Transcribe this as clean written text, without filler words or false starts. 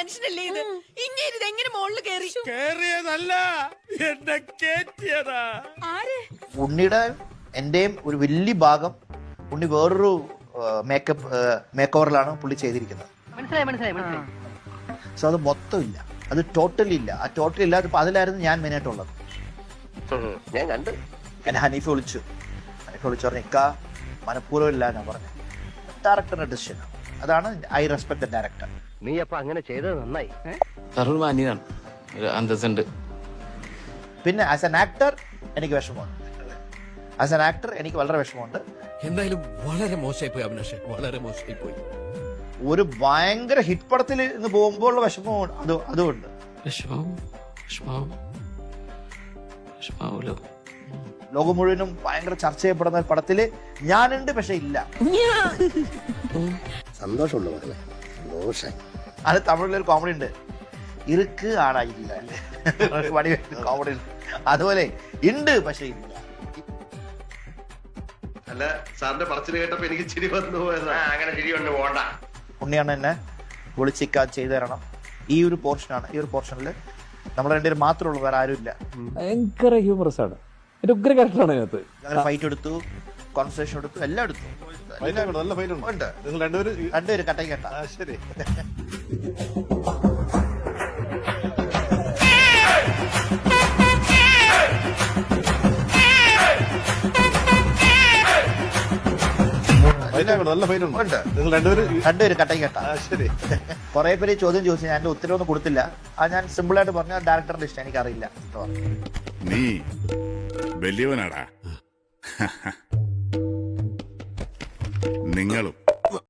മനുഷ്യനല്ലേ ഇത്? ഇങ്ങനെ ഇത് എങ്ങനെ മുകളിൽ കയറി? കേറിയതല്ല, എന്നെ കേറ്റിയതാ. ആര്? ഉണ്ണിയുടെ എന്റെയും ഒരു വലിയ ഭാഗം ഉണ്ണി വേറൊരു മേക്ക് ഓവറിലാണ് പുള്ളി ചെയ്തിരിക്കുന്നത്. സോ അത് മൊത്തം ഇല്ല, അത് ടോട്ടലി ഇല്ല. ആ ടോട്ടലി ഇല്ലാത്തപ്പോ അതിലായിരുന്നു ഞാൻ മെയിനായിട്ടുള്ളത്. ഞാൻ കണ്ടു. എന്നെ ഹനീഫ് വിളിച്ചു പറഞ്ഞു ഇക്ക മനഃപൂർവ്വം ഇല്ല എന്നാ പറഞ്ഞു. ഡയറക്ടറിന്റെ ഡിസിഷൻ അതാണ്. I respect the director. നീ അപ്പൊ അങ്ങനെ ചെയ്തത് നന്നായി. മാന്യനാണ്, ഒരു അന്തസ്സുണ്ട്. പിന്നെ ആസ് എൻ ആക്ടർ എനിക്ക് വിഷമമുണ്ട്. ആസ് എൻ ആക്ടർ എനിക്ക് വളരെ വിഷമമുണ്ട്. എന്തായാലും വളരെ മോശമായി പോയി അഭിലാഷേ, വളരെ മോശമായി പോയി. ഒരു ഭയങ്കര ഹിറ്റ് പടത്തിൽ ഇന്ന് പോകുമ്പോൾ ഉള്ള വിഷമം അതുകൊണ്ട് ലോകം മുഴുവനും ഭയങ്കര ചർച്ച ചെയ്യപ്പെടുന്ന ഒരു പടത്തില് ഞാനുണ്ട്, പക്ഷെ ഇല്ല. സന്തോഷമുണ്ട് മകളെ, സന്തോഷായി. അത് തമിഴിലൊരു കോമഡി ഉണ്ട്, ഇருக்கு ആടാ ഇല്ല കോമഡി ഉണ്ട്. അതുപോലെ ഉണ്ട് പക്ഷെ ഇല്ല. അല്ല, സാറിന്റെ പറച്ചിൽ കേട്ടപ്പോ എനിക്ക് ചിരി വന്നു പോയതാ. അങ്ങനെ ചിരി കൊണ്ട് പോണ്ട. ഉണ്ണിയാണ് എന്നെ വിളിച്ചിക്കാ ചെയ്തു തരണം. ഈ ഒരു പോർഷനാണ്. ഈ ഒരു പോർഷനിൽ നമ്മൾ രണ്ടുപേരും മാത്രമേ ഉള്ളൂ, വേറെ ആരും ഇല്ല. ഭയങ്കര ഹ്യൂമറസ് ആണ്, ഒരു ഉഗ്ര ക്യാരക്ടറാണ് അതിനകത്ത്. അങ്ങനെ ഫൈറ്റ് എടുത്തു, കോൺവെർസേഷൻ എടുത്തു, എല്ലാം എടുത്തു. നല്ല ഫൈറ്റ് ഉണ്ട്. നിങ്ങൾ രണ്ടുപേരും കട്ടയും കേട്ട. ശരി. നല്ല ഫൈറ്റ് ഉണ്ട്. നിങ്ങൾ രണ്ടുപേരും കട്ടയും കേട്ട. ശരി. കുറെ പേര് ചോദ്യം ചോദിച്ചു, ഞാൻ എന്റെ ഉത്തരവൊന്നും കൊടുത്തില്ല. അത് ഞാൻ സിമ്പിൾ ആയിട്ട് പറഞ്ഞ ഡയറക്ടറിന്റെ ഇഷ്ടം എനിക്കറിയില്ല. നീ വലിയവനാടാ. നിങ്ങളും